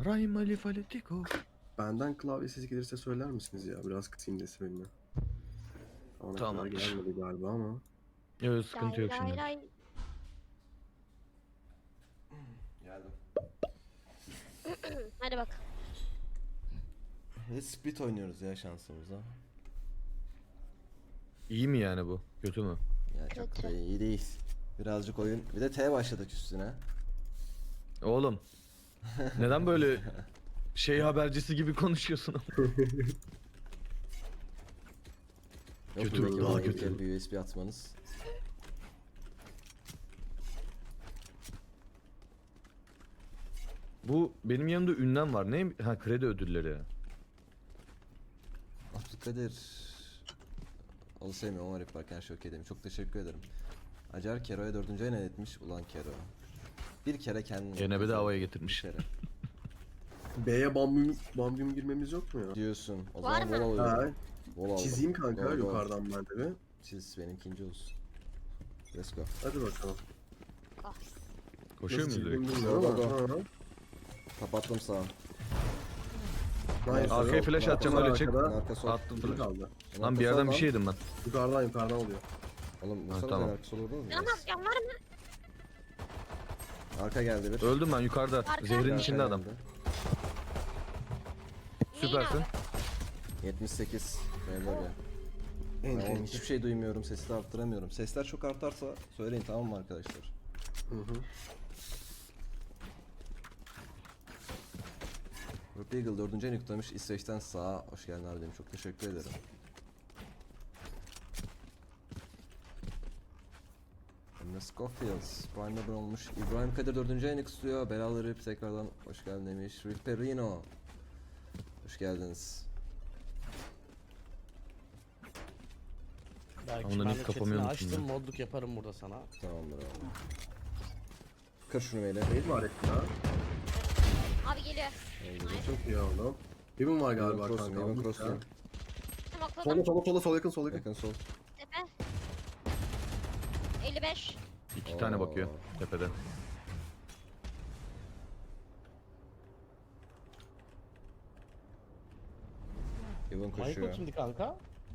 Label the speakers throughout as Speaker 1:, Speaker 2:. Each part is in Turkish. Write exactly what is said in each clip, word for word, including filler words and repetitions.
Speaker 1: Primali Faletico.
Speaker 2: Benden klavye sesi gelirse söyler misiniz ya? Biraz kısayım desibelini. Ona kadar
Speaker 1: Tamamdır.
Speaker 2: gelmedi galiba ama.
Speaker 1: Yok sıkıntı
Speaker 3: Lay
Speaker 1: yok
Speaker 3: lay
Speaker 1: şimdi.
Speaker 3: lay.
Speaker 4: Geldim.
Speaker 3: Hadi bak.
Speaker 4: Ve split oynuyoruz ya şansımıza.
Speaker 1: İyi mi yani bu? Kötü mü?
Speaker 4: Ya çok
Speaker 3: Kötü.
Speaker 4: da iyi değil. Birazcık oyun. Bir de T başladık üstüne.
Speaker 1: Oğlum. Neden böyle şey habercisi gibi konuşuyorsun?
Speaker 4: Yok
Speaker 1: Kötü,
Speaker 4: buradaki
Speaker 1: daha
Speaker 4: bana
Speaker 1: kötü.
Speaker 4: ilkel bir U S B atmanız.
Speaker 1: Bu benim yanımda ünlem var. Ne? Ha, kredi ödülleri.
Speaker 4: Abdülkadir. Onu sevmiyorum ama rap varken şok edeyim. Çok teşekkür ederim. Acar Kero'ya dördüncü ayına etmiş. Ulan Kero. Bir kere kendini...
Speaker 1: Gene bedavaya getirmiş.
Speaker 4: Bir kere.
Speaker 2: B'ye bambium, bambium girmemiz yok mu ya?
Speaker 4: Diyorsun. O
Speaker 3: Var
Speaker 4: zaman
Speaker 3: mı?
Speaker 4: bol
Speaker 2: Ha,
Speaker 4: alıyorum. Bol aldım.
Speaker 2: çizeyim kanka
Speaker 4: Go, go.
Speaker 2: yukarıdan ben de bir.
Speaker 4: Çiz benimkinci olsun. Let's go.
Speaker 2: Hadi bakalım.
Speaker 1: Koşuyor
Speaker 2: Nasıl
Speaker 1: muydu direkt?
Speaker 2: çizdiğimi bilmiyorum
Speaker 4: Go,
Speaker 2: ama.
Speaker 4: go,
Speaker 2: Hı hı.
Speaker 4: Kapattım sağa.
Speaker 2: Nice.
Speaker 1: Arkaya flash atacağım,
Speaker 2: Arkada,
Speaker 1: öyle çık.
Speaker 2: arkada.
Speaker 4: Arka sol.
Speaker 1: Attım
Speaker 2: Kim
Speaker 1: flash.
Speaker 2: kaldı?
Speaker 1: Lan bir yerden bir şey yedim ben.
Speaker 2: Yukarıdan yukarıdan oluyor.
Speaker 4: Oğlum
Speaker 1: Ha,
Speaker 4: vursana
Speaker 1: tamam.
Speaker 4: sen arka sol orada mı?
Speaker 3: Yanamaz yan var mı?
Speaker 4: Arka geldi bir.
Speaker 1: Öldüm ben yukarıda.
Speaker 3: Arka.
Speaker 1: Zehrin
Speaker 4: Arka
Speaker 1: içinde adam.
Speaker 4: geldi.
Speaker 1: Süpersin.
Speaker 3: Neyin
Speaker 4: yetmiş sekiz. Beyler ya.
Speaker 2: En
Speaker 4: Ben oğlum
Speaker 2: en.
Speaker 4: hiçbir şey duymuyorum. Sesi de arttıramıyorum. Sesler çok artarsa söyleyin, tamam mı arkadaşlar?
Speaker 2: Hı hı.
Speaker 4: Rook Eagle dördüncü en yüklemiş. İsveç'ten sağa. Hoş geldin abi dedim. Çok teşekkür ederim. Emre Scofields Prime'da abone olmuş. İbrahim Kadir dördüncü en istiyor. Belalı Rip tekrardan hoş geldin demiş. Ripperino. Hoş geldiniz.
Speaker 5: Belki
Speaker 1: Onların
Speaker 5: ben
Speaker 1: ilk
Speaker 5: de
Speaker 1: kapamı
Speaker 5: chatini
Speaker 1: unuttum
Speaker 5: açtım,
Speaker 1: ya.
Speaker 5: modluk yaparım burada sana.
Speaker 4: Tamamdır abi. Kır şunu Mele.
Speaker 2: Neydi var etti ya?
Speaker 3: Abi geliyor.
Speaker 2: Çok iyi oğlum. Heaven var galiba
Speaker 4: Cross'um,
Speaker 2: kanka.
Speaker 4: Heaven
Speaker 2: almış
Speaker 4: Cross'um.
Speaker 2: ya.
Speaker 3: Tamam
Speaker 2: Sola
Speaker 3: kodum.
Speaker 2: sola sola sol yakın sol yakın.
Speaker 4: Yakın sol.
Speaker 3: Tepe. elli beş.
Speaker 1: İki tane
Speaker 4: Oo.
Speaker 1: bakıyor tepede.
Speaker 4: Heaven
Speaker 5: Michael
Speaker 4: koşuyor.
Speaker 5: kimdi kanka?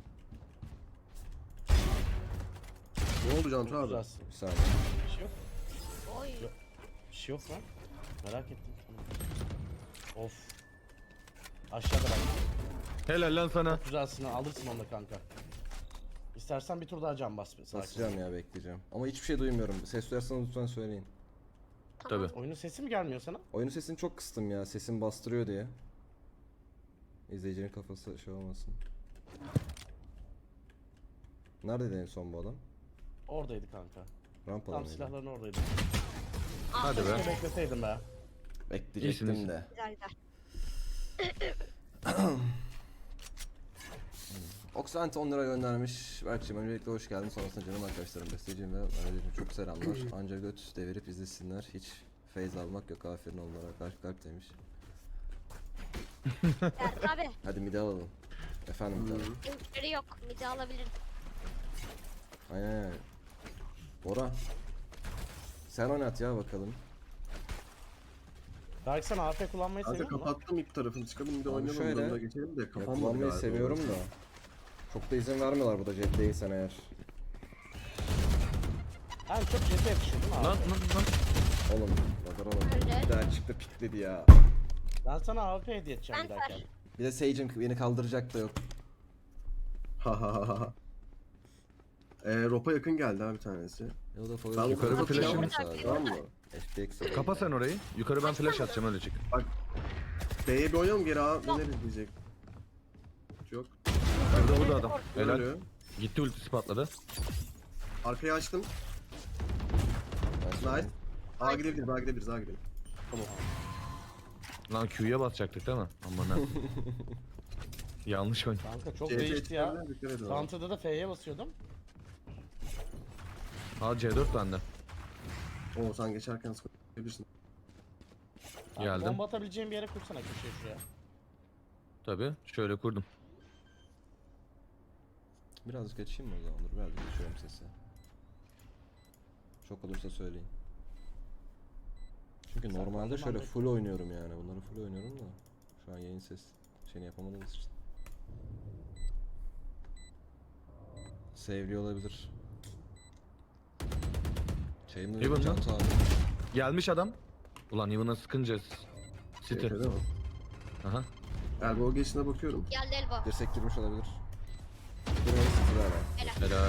Speaker 2: Ne oldu Cantu
Speaker 5: Çok
Speaker 2: abi?
Speaker 5: güzelsin.
Speaker 4: Bir saniye.
Speaker 5: Bir şey yok.
Speaker 3: Oy.
Speaker 5: Bir şey yok lan. Merak ettim. Of. Aşağıda bak.
Speaker 1: Helal lan sana.
Speaker 5: Çok güzelsin, alırsın onu da kanka. İstersen bir tur daha can bas. Sakin.
Speaker 4: Basacağım ya, bekleyeceğim. Ama hiçbir şey duymuyorum. Ses duyarsanız lütfen söyleyin.
Speaker 3: Tamam.
Speaker 1: Tabii.
Speaker 5: Oyunun sesi mi gelmiyor sana?
Speaker 4: Oyunun sesini çok kıstım ya. Sesim bastırıyor diye. İzleyicinin kafası şey olmasın. Neredeydi en son bu adam?
Speaker 5: Oradaydı kanka.
Speaker 4: Rampada
Speaker 5: Tam
Speaker 4: mıydı?
Speaker 5: silahların oradaydı.
Speaker 1: Hadi be.
Speaker 5: Keşke bekleseydim be.
Speaker 4: Bekleyecektim
Speaker 1: İyisiniz.
Speaker 4: de.
Speaker 3: Güzel güzel.
Speaker 4: Oxant on lira göndermiş. Berk'cim öncelikle hoş geldin. Sonrasında canım arkadaşlarım, besteciğim ve öğrencim çok selamlar. Anca göt devirip izlesinler. Hiç feyz almak yok. Aferin onlara. Kalp kalp demiş.
Speaker 3: Berk abi.
Speaker 4: Hadi mide alalım. Efendim mide alalım.
Speaker 3: Linkleri yok. Midi alabilirim.
Speaker 4: Aynen aynen. Bora. Sen oynat ya bakalım.
Speaker 5: Belki sen A F kullanmayı
Speaker 2: Kanka
Speaker 5: seviyor musun?
Speaker 2: kapattım ilk tarafını çıkalım bir de
Speaker 4: Abi
Speaker 2: oynayalım
Speaker 4: şöyle,
Speaker 2: şöyle, geçelim de
Speaker 4: Ya,
Speaker 2: kafam
Speaker 4: kullanmayı seviyorum da. Çok da izin vermiyorlar burada jet değilsen eğer.
Speaker 5: Yani çok jet'e yakışıyor değil mi abi?
Speaker 1: Lan lan lan.
Speaker 4: Oğlum, Radar oğlum.
Speaker 3: Öyle.
Speaker 4: Bir daha çıktı pikledi ya.
Speaker 5: Ben sana A F hediye edeceğim
Speaker 3: Ben
Speaker 5: bir dahaki.
Speaker 3: var.
Speaker 4: Bir de Sage'im beni kaldıracak da yok.
Speaker 2: Ha ha ha ha. Eee Ropa yakın geldi ha bir tanesi.
Speaker 4: Ya o da
Speaker 2: Ben
Speaker 1: yukarı bir flash'ım-
Speaker 2: Tamam mı?
Speaker 4: F P X
Speaker 1: Kapa sen orayı. Yukarı ben flash atacağım, öyle çık.
Speaker 2: B'ye bir oynayalım geri A döneriz diyecek. Yok.
Speaker 1: Burada burada adam. Helal.
Speaker 2: Ölüyor.
Speaker 1: Gitti, ultisi patladı.
Speaker 2: Arkayı açtım. Nice. A gidebiliriz A gidebiliriz A gidelim. Tamam.
Speaker 1: Lan Q'ya basacaktık değil mi? Aman ha. Yanlış oyun.
Speaker 5: Kanka çok
Speaker 2: C T
Speaker 5: değişti ya.
Speaker 2: çıkarlar, dikkat edin.
Speaker 5: Counter'da da F'ye basıyordum.
Speaker 1: Aa C dört bende.
Speaker 2: Oo sen geçerken sıkabilirsin.
Speaker 5: Abi
Speaker 1: Geldim.
Speaker 5: Bomba atabileceğim bir yere kursana köşeye şuraya.
Speaker 1: Tabii. Şöyle kurdum.
Speaker 4: Birazcık açayım mı o zaman? Dur birazcık açıyorum sesi. Çok olursa söyleyin. Çünkü
Speaker 5: Sen
Speaker 4: normalde
Speaker 5: bana
Speaker 4: şöyle
Speaker 5: bak.
Speaker 4: full oynuyorum yani. Bunları full oynuyorum da. Şu an yayın ses şeyini yapamadığımız için. Sevli olabilir. Şeyim de
Speaker 1: Heaven mı?
Speaker 4: Cantu abi.
Speaker 1: Gelmiş adam. Ulan Yıvın'a sıkınca City.
Speaker 2: Öyle mi?
Speaker 1: Aha.
Speaker 2: Elbow geçine bakıyorum.
Speaker 3: Geldi elbow.
Speaker 4: Dirsek girmiş olabilir. Buraya sıfır hala.
Speaker 1: Helal.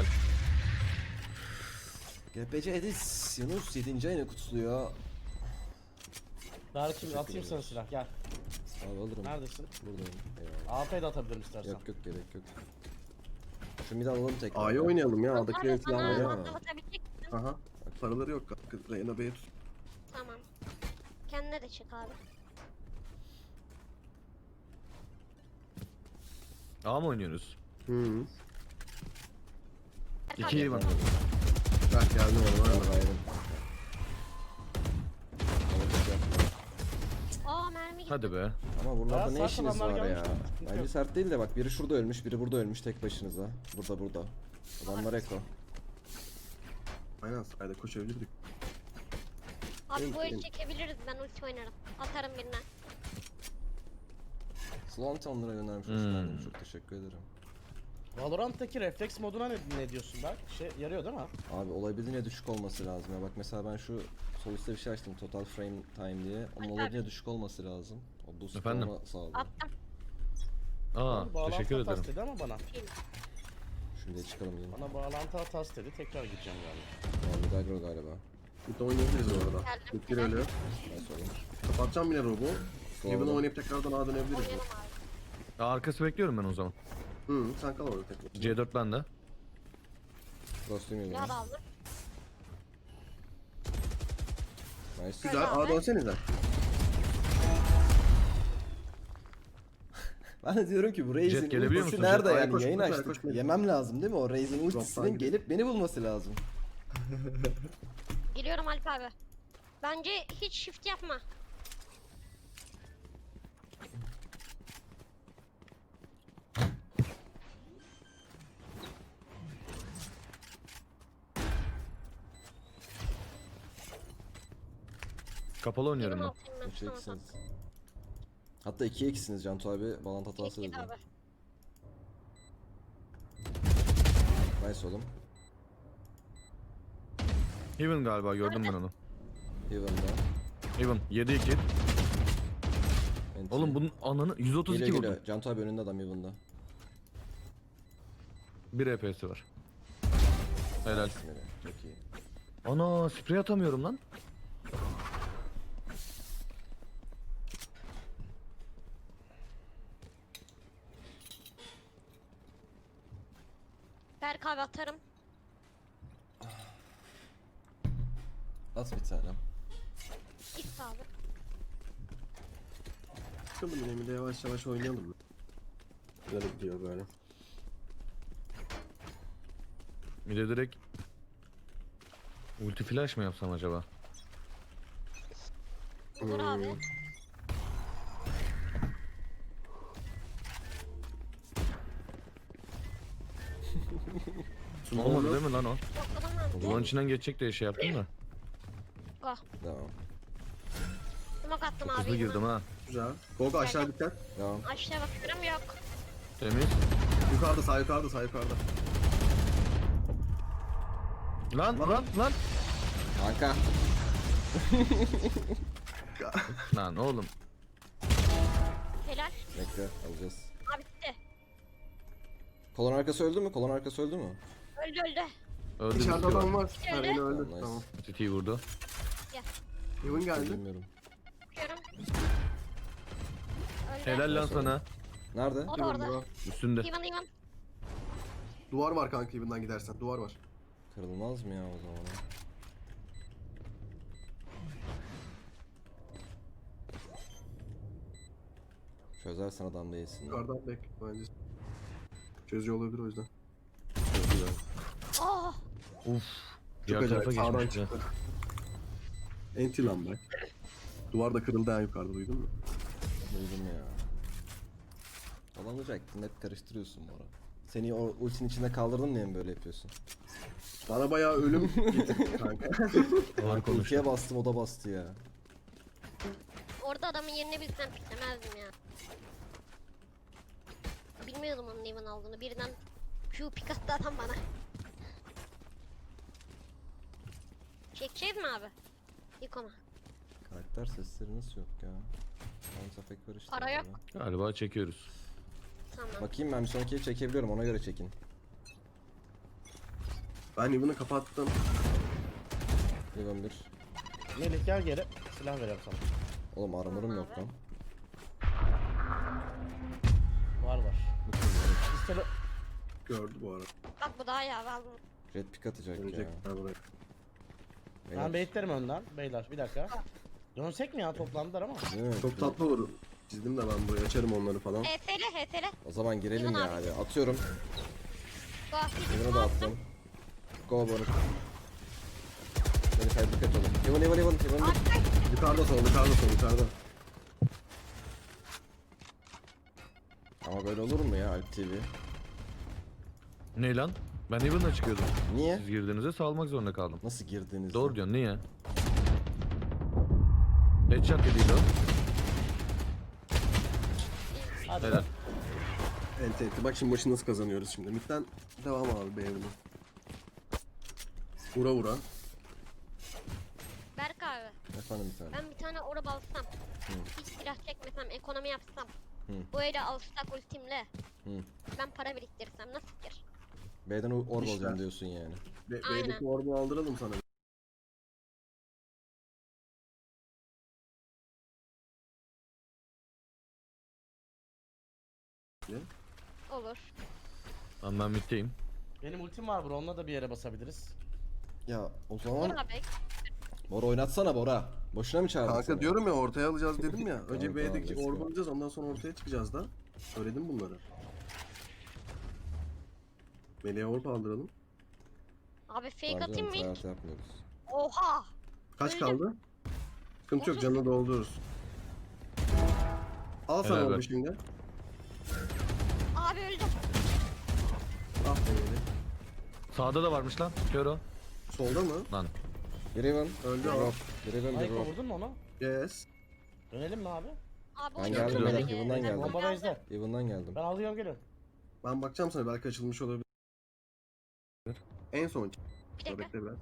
Speaker 4: G P C Edis Yunus yedinci ayını kutluyor.
Speaker 5: Berk'cim atayım sana silah gel.
Speaker 4: Abi alırım.
Speaker 5: Neredesin?
Speaker 4: Buradayım. Eyvallah.
Speaker 5: A P de atabilirim istersen.
Speaker 4: Yok yok gerek yok. Şu mid alalım tekrar.
Speaker 2: A'yı oynayalım ya.
Speaker 3: Abi
Speaker 2: A'dakileri falan
Speaker 3: bana
Speaker 2: var ya.
Speaker 3: mandal atabilecek misin?
Speaker 2: Aha. Paraları yok kanka. Reyna B'ye tut.
Speaker 3: Tamam. Kendine de çık abi.
Speaker 1: A mı oynuyoruz?
Speaker 2: Hı hı.
Speaker 1: İki Yıvın.
Speaker 2: Bak geldim ona.
Speaker 4: Var ayrım.
Speaker 3: Aa mermi gitti.
Speaker 1: Hadi be.
Speaker 4: Ama buralarda
Speaker 5: Bayağı
Speaker 4: ne
Speaker 5: sert
Speaker 4: işiniz
Speaker 5: adamlar
Speaker 4: var ya?
Speaker 5: gelmiş. Sıkıntı
Speaker 4: Bence
Speaker 5: yok.
Speaker 4: sert değil de bak biri şurada ölmüş, biri burada ölmüş tek başınıza. Burada burada. Adamlar Eko.
Speaker 2: Aynen sayda koşabilirdik.
Speaker 3: Abi bu el
Speaker 2: Benim-
Speaker 3: çekebiliriz, ben ulti oynarım. Atarım birine.
Speaker 4: Slant onlara göndermiş. Hoş
Speaker 1: Hmm.
Speaker 4: geldin. Çok teşekkür ederim.
Speaker 5: Valorant'taki refleks moduna ne, ne diyorsun Berk? Şey yarıyor değil mi?
Speaker 4: Abi olabildiğince düşük olması lazım ya. Bak mesela ben şu sol üstte bir şey açtım. Total frame time diye. Onun
Speaker 3: Ay,
Speaker 4: olabildiğince düşük olması lazım. O boost
Speaker 1: Efendim?
Speaker 4: olma sağlıyor.
Speaker 3: Attım.
Speaker 1: Aa,
Speaker 5: Bağlantı
Speaker 1: teşekkür
Speaker 5: hatası
Speaker 1: ederim.
Speaker 5: dedi ama bana.
Speaker 4: Şimdi çıkalım yine.
Speaker 5: Bana bağlantı hatası dedi, tekrar gideceğim galiba.
Speaker 4: Abi Dagro galiba.
Speaker 2: Bir de oynayabiliriz bu arada.
Speaker 3: Geldim.
Speaker 2: İlk bir ölü.
Speaker 4: Nasıl oğlum?
Speaker 2: Kapatacağım yine robu. Heaven'ı
Speaker 4: Doğru.
Speaker 2: oynayıp tekrardan A'ya dönebiliriz.
Speaker 3: Oynayalım abi.
Speaker 1: Aa, arkası bekliyorum ben o zaman.
Speaker 2: Hı, sen kal orada tekrar.
Speaker 1: C dört bende.
Speaker 4: Frost'um
Speaker 3: Ne
Speaker 4: yedi.
Speaker 3: hadi aldım.
Speaker 4: Nice.
Speaker 2: Güzel. A'ya dönsenize.
Speaker 4: Ben de diyorum ki bu Raze'in
Speaker 1: Jet gelebiliyor
Speaker 4: ultisi
Speaker 1: musun?
Speaker 4: nerede
Speaker 2: Jet? Ay,
Speaker 4: yani
Speaker 2: koş,
Speaker 4: yayın
Speaker 2: koş,
Speaker 4: açtık.
Speaker 2: koş, koş.
Speaker 4: Yemem lazım değil mi o Raze'in
Speaker 2: Drop'tan
Speaker 4: ultisinin
Speaker 2: gidiyor.
Speaker 4: gelip beni bulması lazım.
Speaker 3: Geliyorum Alp abi. Bence hiç shift yapma.
Speaker 1: Kapalı oynuyorum
Speaker 3: Benim
Speaker 1: ben.
Speaker 3: altıyım ben.
Speaker 4: üç
Speaker 3: Tamam,
Speaker 4: eksiniz.
Speaker 3: tamam.
Speaker 4: Hatta iki eksiniz Cantu abi. Bağlantı hatası
Speaker 3: Git, git
Speaker 4: dedi.
Speaker 3: abi.
Speaker 4: Nice oğlum.
Speaker 1: Heaven galiba gördüm ben onu.
Speaker 4: Heaven'da.
Speaker 1: Heaven yedi iki.
Speaker 4: Enti.
Speaker 1: Oğlum bunun ananı yüz otuz iki
Speaker 4: Geliyor
Speaker 1: vurdum.
Speaker 4: geliyor. Cantu abi önünde adam Heaven'da.
Speaker 1: bir E P'si var. Helal.
Speaker 4: Geliyor. Çok iyi.
Speaker 1: Ana sprey atamıyorum lan.
Speaker 3: Berk abi atarım.
Speaker 4: At bir tane.
Speaker 3: Git abi.
Speaker 2: Çıkalım yine bir de yavaş yavaş oynayalım. Güzel gidiyor böyle.
Speaker 1: Bir de direkt ulti flash mı yapsam acaba?
Speaker 3: Olur
Speaker 2: Hmm.
Speaker 3: abi.
Speaker 1: Olmadı değil mi lan o?
Speaker 3: Yokladım ben.
Speaker 1: Ulan içinden geçecek diye şey yaptım da.
Speaker 3: Go.
Speaker 4: Devam.
Speaker 3: Smoke attım abi.
Speaker 1: Hızlı girdim ha.
Speaker 2: Güzel. Gogo aşağı dikkat.
Speaker 4: Devam.
Speaker 3: Aşağıya bakıyorum, yok.
Speaker 1: Temiz.
Speaker 2: Yukarıda sağ yukarıda sağ yukarıda.
Speaker 1: Lan lan lan.
Speaker 4: Kanka.
Speaker 1: Lan oğlum.
Speaker 3: Helal.
Speaker 4: Bekle alacağız.
Speaker 3: Abi bitti.
Speaker 4: Kolon arkası öldü mü? Kolon arkası öldü mü?
Speaker 3: Öldü öldü.
Speaker 1: Öldü bir
Speaker 2: İçeride
Speaker 1: şey
Speaker 2: adam
Speaker 1: var.
Speaker 2: var. Ha,
Speaker 3: Öyle.
Speaker 2: Reyna öldü.
Speaker 4: Nice.
Speaker 2: Tamam.
Speaker 1: City'yi vurdu.
Speaker 2: Heaven geldi.
Speaker 4: Bilmiyorum.
Speaker 3: Bakıyorum. Öldü.
Speaker 1: Helal lan
Speaker 4: Nasıl
Speaker 1: sana.
Speaker 4: Nerede?
Speaker 3: O da orada.
Speaker 1: Üstünde.
Speaker 3: Ivan Ivan.
Speaker 2: Duvar var kanka Heaven'dan gidersen. Duvar var.
Speaker 4: Kırılmaz mı ya o zaman? Çözersen adam değilsin.
Speaker 2: Yukarıdan bek bence. Çözüyor olabilir o yüzden.
Speaker 3: Oh.
Speaker 1: Uf.
Speaker 2: Çok
Speaker 1: Diğer
Speaker 2: acayip
Speaker 1: tarafa
Speaker 2: sağdan
Speaker 1: geçmiş ya.
Speaker 2: çıktı. Enti lan bak. Duvar da kırıldı en yukarıda duydun mu?
Speaker 4: Duydum ya. Olamayacaktın hep karıştırıyorsun bu ara. Seni o ultinin içinde kaldırdın diye mi böyle yapıyorsun?
Speaker 2: Bana bayağı ölüm getirdi kanka.
Speaker 1: Ağır konuştu.
Speaker 4: Ultiye bastım o da bastı ya.
Speaker 3: yerini bilsem piklemezdim ya. Bilmiyordum onun Evan aldığını. Birden Q pik attı adam bana. Çekeceğiz mi abi? Yıkama.
Speaker 4: Karakter sesleri nasıl yok ya? Sound effect var işte.
Speaker 3: Para yok.
Speaker 4: burada.
Speaker 1: Galiba çekiyoruz.
Speaker 3: Tamam.
Speaker 4: Bakayım ben bir sonrakiyi çekebiliyorum ona göre çekin.
Speaker 2: Ben Evan'ı kapattım.
Speaker 4: Evan bir.
Speaker 5: Melih gel geri. Silah veriyorum sana.
Speaker 4: Oğlum armorum yok lan.
Speaker 5: Var var.
Speaker 4: Bu kim ya?
Speaker 5: Pistolü.
Speaker 2: Gördü bu arada.
Speaker 3: Bak bu daha iyi abi aldım.
Speaker 4: Red pick atacak ya.
Speaker 2: Dönecekler buraya.
Speaker 5: Ben
Speaker 4: Beyler,
Speaker 5: baitlerim önden. Beyler bir dakika. Dönsek mi ya toplandılar ama.
Speaker 4: değil mi?
Speaker 2: Çok tatlı olur. Çizdim de ben buraya açarım onları falan.
Speaker 3: H T L H T L.
Speaker 4: O zaman girelim
Speaker 3: Evan
Speaker 4: ya
Speaker 3: abi.
Speaker 4: hadi. Atıyorum.
Speaker 3: Gafil
Speaker 4: Evan'ı da attım. Go Bonuk. Beni kaydı dikkat olun. Evan Evan Evan Evan bir.
Speaker 2: Yukarıda sol, yukarıda sol, yukarıda.
Speaker 4: Ama böyle olur mu ya Alp T V?
Speaker 1: Ne lan? Ben Evan'la çıkıyordum.
Speaker 4: Niye?
Speaker 1: Siz girdiğinizde salmak zorunda kaldım.
Speaker 4: Nasıl girdiniz?
Speaker 1: Doğru diyorsun, niye? Headshot dediydi o.
Speaker 5: Hadi.
Speaker 1: Helal.
Speaker 2: Ente ente. Bak şimdi maçı nasıl kazanıyoruz şimdi. Mid'den devam abi beğendim. Vura vura.
Speaker 3: Berk abi.
Speaker 4: Efendim bir tane.
Speaker 3: Ben bir tane orab alsam. Hiç silah çekmesem, ekonomi yapsam.
Speaker 4: Hı.
Speaker 3: Bu ele alstak ultimle.
Speaker 4: Hı.
Speaker 3: Ben para biriktirsem nasıl fikir?
Speaker 4: B'den orb
Speaker 2: İşler.
Speaker 4: alacağım diyorsun yani.
Speaker 2: Be
Speaker 3: Aynen.
Speaker 2: B'deki orbu aldıralım sana.
Speaker 3: Olur.
Speaker 1: Lan ben middeyim.
Speaker 5: Benim ultim var bro. Onunla da bir yere basabiliriz.
Speaker 4: Ya o
Speaker 3: Olur
Speaker 4: zaman
Speaker 3: abi.
Speaker 4: Bora oynatsana Bora. Boşuna mı çağırdın
Speaker 2: Kanka
Speaker 4: seni?
Speaker 2: diyorum ya ortaya alacağız dedim ya. Önce
Speaker 4: Tamam,
Speaker 2: B'deki
Speaker 4: tamam, let's
Speaker 2: orbu
Speaker 4: go.
Speaker 2: alacağız ondan sonra ortaya çıkacağız da. Söyledim bunları. Meleğe orb aldıralım.
Speaker 3: Abi fake
Speaker 4: Tamam
Speaker 3: atayım
Speaker 4: canım,
Speaker 3: mı ilk?
Speaker 4: hayatı yapmıyoruz.
Speaker 3: Oha!
Speaker 2: Kaç
Speaker 3: Öldüm.
Speaker 2: kaldı? Sıkıntı yok canını doldururuz. Al sana
Speaker 1: Helal
Speaker 2: orbu
Speaker 1: be.
Speaker 2: şimdi.
Speaker 3: Abi öldüm.
Speaker 2: Ah be Melek.
Speaker 1: Sağda da varmış lan. Kör o.
Speaker 2: Solda mı?
Speaker 1: Lan.
Speaker 4: Bir Evan.
Speaker 2: Öldü
Speaker 4: Rob.
Speaker 2: ama.
Speaker 4: Bir Evan bir
Speaker 5: Ayko
Speaker 4: Rob.
Speaker 5: vurdun mu onu?
Speaker 2: Yes.
Speaker 5: Dönelim mi abi?
Speaker 3: Abi
Speaker 4: Ben
Speaker 3: oynadım
Speaker 4: geldim,
Speaker 3: beni.
Speaker 4: ben Evan'dan
Speaker 3: Ben
Speaker 4: geldim.
Speaker 5: Bomba
Speaker 3: geldim.
Speaker 5: base'de.
Speaker 4: Evan'dan geldim.
Speaker 5: Ben alıyorum geliyorum.
Speaker 2: Ben bakacağım sana belki açılmış olabilir. En son.
Speaker 3: Bir dakika.
Speaker 2: Bekle biraz.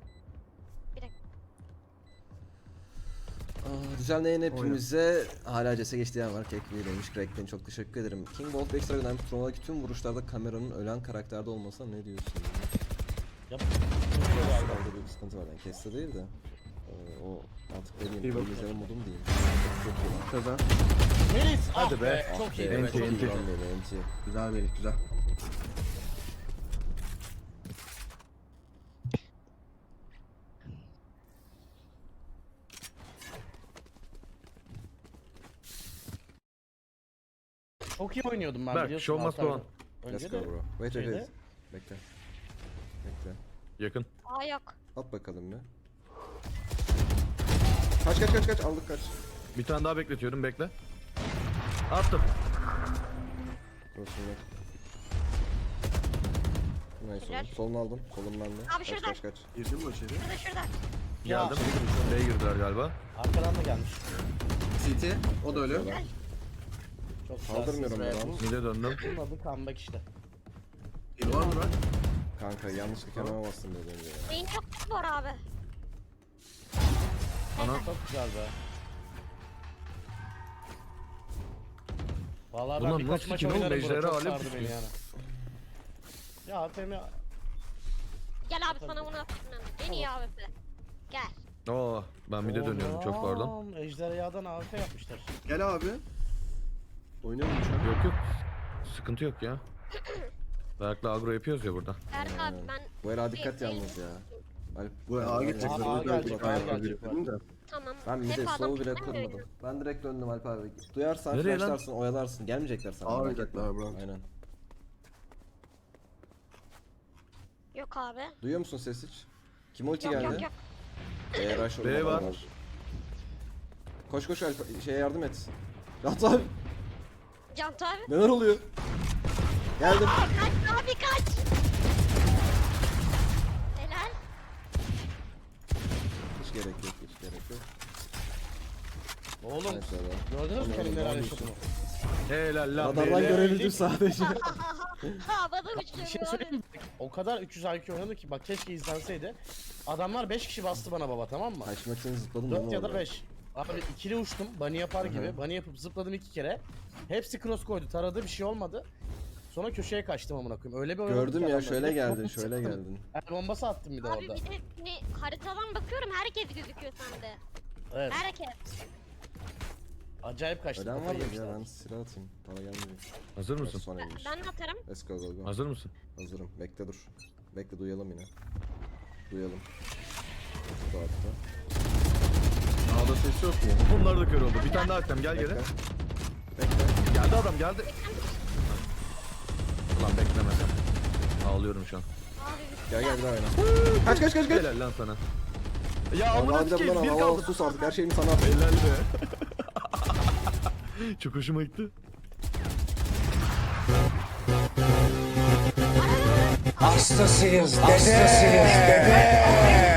Speaker 4: Aa, düzenleyen hepimize hala C S geçtiği yer var. Kekliği demiş. Crack'ten çok teşekkür ederim. King Bolt Extra göndermiş. Turnuvadaki tüm vuruşlarda kameranın ölen karakterde olmasa ne diyorsun?
Speaker 5: Yap.
Speaker 4: Orada bir sıkıntı var. Yani Keste değil de. Ee, o artık ne
Speaker 2: İyi
Speaker 4: diyeyim.
Speaker 2: bak.
Speaker 4: İzleme modum diyeyim. Çok iyi lan.
Speaker 2: Kazan.
Speaker 5: Melis!
Speaker 1: Hadi
Speaker 5: ah
Speaker 1: be.
Speaker 5: Çok
Speaker 4: Ah
Speaker 5: iyi.
Speaker 4: be,
Speaker 1: Enti,
Speaker 4: çok iyi
Speaker 1: enti.
Speaker 4: lan böyle, enti.
Speaker 2: Güzel Melek güzel.
Speaker 5: Çok iyi oynuyordum ben
Speaker 1: Berk,
Speaker 5: biliyorsun.
Speaker 1: show must
Speaker 5: altı
Speaker 1: go
Speaker 5: ayda.
Speaker 1: on.
Speaker 4: Let's
Speaker 5: Önce
Speaker 4: go
Speaker 5: de
Speaker 4: bro. Wait wait
Speaker 5: şeyde-
Speaker 4: wait. Bekle. Bekle.
Speaker 1: Yakın.
Speaker 3: Aa yok.
Speaker 4: At bakalım bir. Kaç kaç kaç kaç aldık kaç.
Speaker 1: Bir tane daha bekletiyorum, bekle. Attım.
Speaker 4: Dursun yok. Neyse
Speaker 3: Helal.
Speaker 4: oğlum. Solunu aldım. Solum bende.
Speaker 3: Abi
Speaker 4: Kaç
Speaker 3: şurada.
Speaker 4: kaç kaç.
Speaker 2: Girdin mi içeri?
Speaker 3: Şurada şurada.
Speaker 5: Ya.
Speaker 1: Geldim. B'ye girdiler galiba.
Speaker 5: Arkadan da gelmiş.
Speaker 2: C T. O da öyle.
Speaker 4: Güzel.
Speaker 5: Çok güzel.
Speaker 4: Kaldırmıyorum
Speaker 5: Sıraya
Speaker 4: ben.
Speaker 5: bu-
Speaker 1: Mid'e döndüm.
Speaker 5: Bunun adı comeback işte.
Speaker 2: Heal var mı bak?
Speaker 4: Kanka yanlışlıkla hemen bastım dedi önce ya.
Speaker 3: Beyin çok var abi.
Speaker 1: Ana.
Speaker 5: Çok güzel be. Vallahi ben
Speaker 1: Ulan
Speaker 5: birkaç
Speaker 1: nasıl
Speaker 5: maç
Speaker 1: ki oğlum,
Speaker 5: oynarım
Speaker 1: Ejderha
Speaker 5: bro. Çok
Speaker 1: Alep
Speaker 5: sardı beni
Speaker 1: tutuyor.
Speaker 5: yani. Ya A P M
Speaker 3: Gel abi sana bunu atayım ben. En iyi A W P. Gel.
Speaker 1: Oo, ben mid'e dönüyorum, çok pardon.
Speaker 5: Oğlum, Ejderhadan A F yapmışlar.
Speaker 2: Gel abi. Oynayalım şu an.
Speaker 1: Yok yok. Sıkıntı yok ya. Berk'le agro yapıyoruz ya burada.
Speaker 3: Berk abi
Speaker 4: Aynen.
Speaker 3: ben
Speaker 4: Bu el dikkat yalnız ya. Alp.
Speaker 2: Bu A geçecekler.
Speaker 5: Aa,
Speaker 2: o yüzden
Speaker 5: gelecek,
Speaker 2: çok ayak
Speaker 5: aa, gelecek
Speaker 2: biriktirdim de.
Speaker 3: tamam.
Speaker 4: Ben bir
Speaker 3: Hep
Speaker 4: de
Speaker 3: adam
Speaker 4: slow bile
Speaker 3: piklemiyor
Speaker 4: kurmadım. Ben direkt döndüm Alp abi. Duyarsan
Speaker 1: Nereye lan?
Speaker 4: flashlarsın, oyalarsın. Gelmeyecekler sana.
Speaker 2: Aa,
Speaker 4: merak etme.
Speaker 2: oynayacaklar bro.
Speaker 4: Aynen.
Speaker 3: Yok abi.
Speaker 4: Duyuyor musun ses hiç? Kim ulti
Speaker 3: Yok
Speaker 4: geldi?
Speaker 3: yok yok.
Speaker 4: Eğer rush
Speaker 1: B
Speaker 4: olmadan
Speaker 1: var.
Speaker 4: var. Koş koş Alp şeye yardım et. Rahat abi.
Speaker 3: Cant abi.
Speaker 4: Neler oluyor? Geldim.
Speaker 3: Aa, kaç abi kaç. Helal.
Speaker 4: Hiç gerek yok, hiç gerek yok.
Speaker 5: Oğlum
Speaker 4: Evet, evet.
Speaker 5: gördünüz mü
Speaker 4: Anladım,
Speaker 5: benim neler
Speaker 4: anladım.
Speaker 5: yaşadığımı?
Speaker 1: Helal lan.
Speaker 4: Radardan
Speaker 1: beyler.
Speaker 4: görebildim sadece.
Speaker 3: Havada
Speaker 5: Bir
Speaker 3: uçuyorum
Speaker 5: şey
Speaker 3: abi.
Speaker 5: söyleyeyim mi? O kadar üç yüz I Q oynadı ki bak keşke izlenseydi. Adamlar beş kişi bastı bana baba, tamam mı?
Speaker 4: Kaçmak için zıpladım değil
Speaker 5: dört
Speaker 4: mi
Speaker 5: ya da
Speaker 4: orada?
Speaker 5: beş. Abi ikili uçtum bunny yapar gibi.
Speaker 4: Hı hı.
Speaker 5: Bunny yapıp zıpladım iki kere. Hepsi cross koydu, taradı, bir şey olmadı. Sonra köşeye kaçtım amına koyayım. Öyle bir oynadım
Speaker 4: Gördüm
Speaker 5: ki
Speaker 4: ya
Speaker 5: adamlar.
Speaker 4: şöyle
Speaker 5: Bir de
Speaker 4: geldin
Speaker 5: bomba
Speaker 4: şöyle
Speaker 5: sıktım.
Speaker 4: geldin.
Speaker 5: El bombası attım bir de
Speaker 3: Abi
Speaker 5: orada.
Speaker 3: bir de hani haritadan bakıyorum herkes gözüküyor sende.
Speaker 5: Evet.
Speaker 3: Herkes.
Speaker 5: Acayip kaçtım.
Speaker 4: Ölen var
Speaker 5: kafayı
Speaker 4: mı ya
Speaker 5: yemişler.
Speaker 4: ben silah atayım. Para gelmiyor.
Speaker 1: Hazır mısın?
Speaker 4: Son elmiş.
Speaker 3: Ben de atarım.
Speaker 4: Let's go go go.
Speaker 1: Hazır mısın?
Speaker 4: Hazırım. Bekle dur. Bekle duyalım yine. Duyalım. Bu hatta.
Speaker 1: Ağda ses yok mu? Bunlar da kör oldu. Bir tane daha atacağım. Gel geri.
Speaker 4: Bekle. Bekle.
Speaker 1: Geldi adam geldi. Ulan beklemeden. Ağlıyorum şu an.
Speaker 3: Abi bir
Speaker 4: Gel gel bir daha oyna. Kaç kaç kaç kaç.
Speaker 1: Helal lan sana. Ya
Speaker 4: Al
Speaker 1: amına
Speaker 4: bir de
Speaker 1: sikeyim
Speaker 4: bundan
Speaker 1: bir
Speaker 4: al. Al
Speaker 1: kaldı.
Speaker 4: sus artık her şeyimi sana at.
Speaker 1: Helal be. Çok hoşuma gitti.
Speaker 6: Hastasıyız, hastasıyız dede.